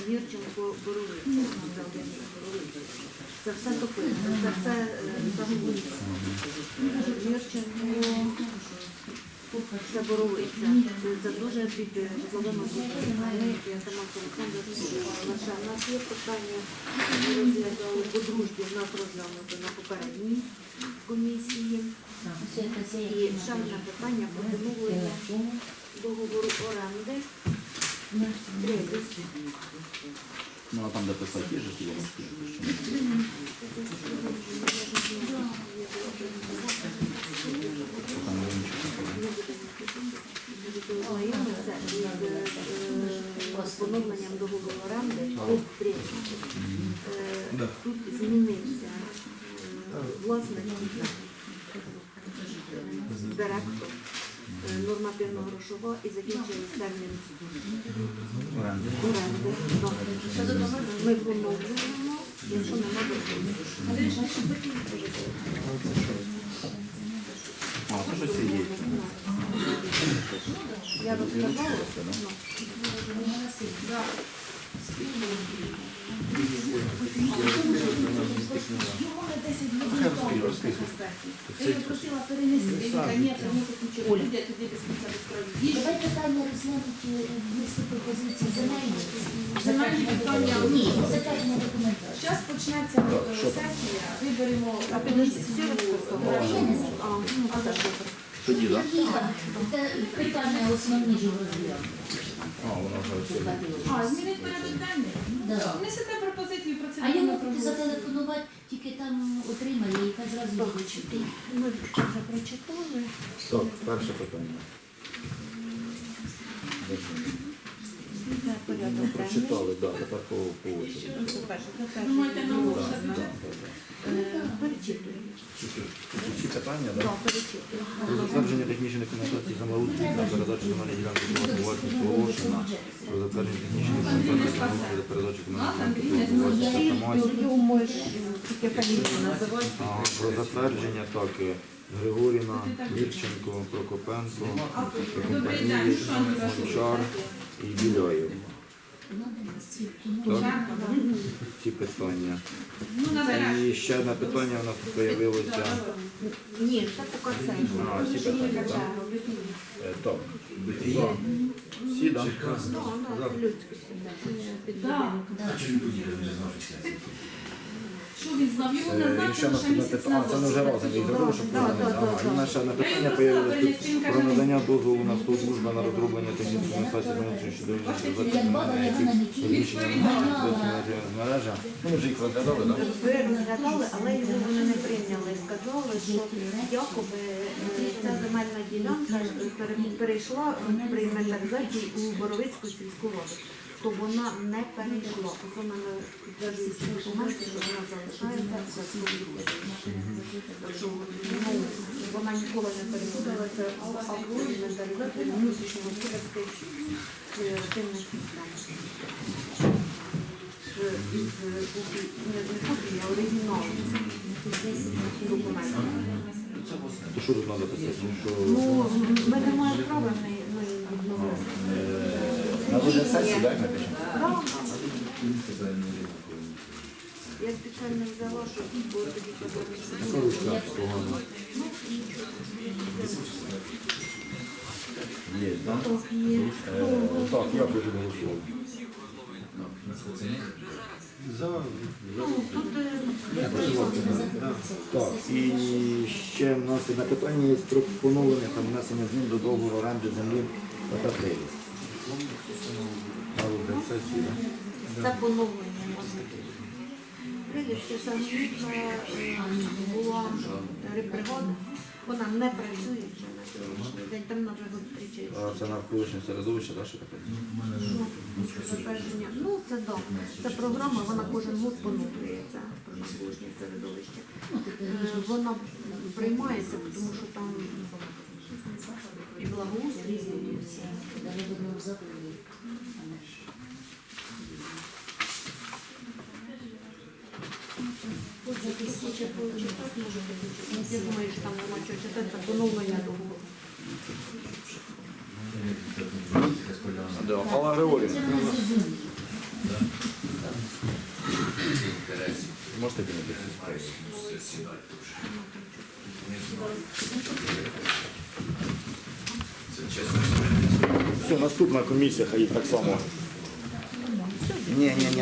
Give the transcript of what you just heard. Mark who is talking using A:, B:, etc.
A: Юрченко, Боровиця. Це все топиться, це все загубиться. Юрченко, це Боровиця. Це дуже під житловими будинками. Я сама Олександр Лаша. У нас є питання, ми розглядали по дружбі, в нас розглянуто на попередній комісії. І ще одне питання по поновлення договору оренди.
B: Ну, а там, де писати, є ж є.
A: Знайомиться з поновленням договору оренди. Тут змінився власник, директор, нормативно-грошова і закінчились термін оренди. Ми поновлюємо, якщо нема договору.
B: А, це щось є.
A: Я розказала.
C: Я просила перенести, наконец-то, ми покінчили. Давай питання розглянути листи пропозиції земельні.
D: Земельні питання.
C: Ні, затвердження документації.
D: Зараз почнеться сесія, виберемо
A: Всі розписували. А за що?
B: Тоді, так?
C: Це питання основні ж розглянути.
B: А, воно вже все.
D: змінити порядок денний.
C: Да.
D: Внесете пропозицію про це.
C: А йому зателефонувати, тільки там отримає, і хай зразу вичити.
A: Ми вже прочитали.
B: Так, перше питання.
A: Це порядок денний.
B: Прочитали, так, тепер по очереді.
D: Думаєте, на голосувати бюджет?
A: Перечитуємо.
B: Усі питання, так?
A: Так, перечитуємо.
B: Про затвердження технічної документації землеустрою та передачу земельної ділянки приватної власності оголошена. Про затвердження технічної документації землеустрою та передачу земельної ділянки приватної власності
A: Тоді можеш тільки фамілію називати.
B: Про затвердження так Григоріна, Вірченко, Прокопенко,
D: Добрий день, що
B: Гончар і Біляєв. Так,
D: Так.
B: ці питання.
D: Ну, набереш.
B: І ще одне питання у нас тут з'явилося.
A: Ні, це поки це.
B: А, всі питання, так? Так. За. Всі, так?
A: Ну, вона людська
D: Так.
C: Да.
D: Що він знав? Його не знав,
B: І ще
D: тому що
B: наступне
D: місяць
B: питання. А, це ми вже разом їх зробили, щоб повернутися. Ага, і в нас ще одне питання з'явилося про надання дозволу на служба на розроблення технічної документації землеустрою щодо розміщення мережа. Ну, ми вже їх розглядали, так?
A: Ви розглядали, але його вони не прийняли. Сказали, що якоби ця земельна ділянка перейшла при інвентаризації у Боровицьку сільську раду. То вона не перейшла. Ось вона підтверджує документи, що вона залишається в сільській Так що вона ніколи не переходила. Це акт інвентаризації внутрішньогосподарської активної системи. Не копії, а оригінал документів.
B: То що тут треба писати?
A: Ну, ми не маємо права на відновити.
B: На розгляд сесії, так, напишемо?
A: Я спеціально взяла, щоб було тоді подивитися.
B: Ручка погано. Є, так? Так, я буду голосувати. Так, і ще в нас одне питання є про поновлення та внесення змін до договору оренди землі та прилість. На розгляд сесії, так?
A: Це поновлення можна. Приліще самовітна була рибпригода. Вона не працює вже на сьогоднішній день, там вона вже зустрічає.
B: А це навколишнє середовище, так, що таке?
A: Затвердження. Ну, це так. Це програма, вона кожен год поновлюється про навколишнє середовище. Вона приймається, тому що там і благоустрій, і все. Я думаю, що там нема чого читати, це поновлення договору.
B: Алла Григорівна. Можете кинути цю справу? Все, наступна комісія, хай так само. Ні.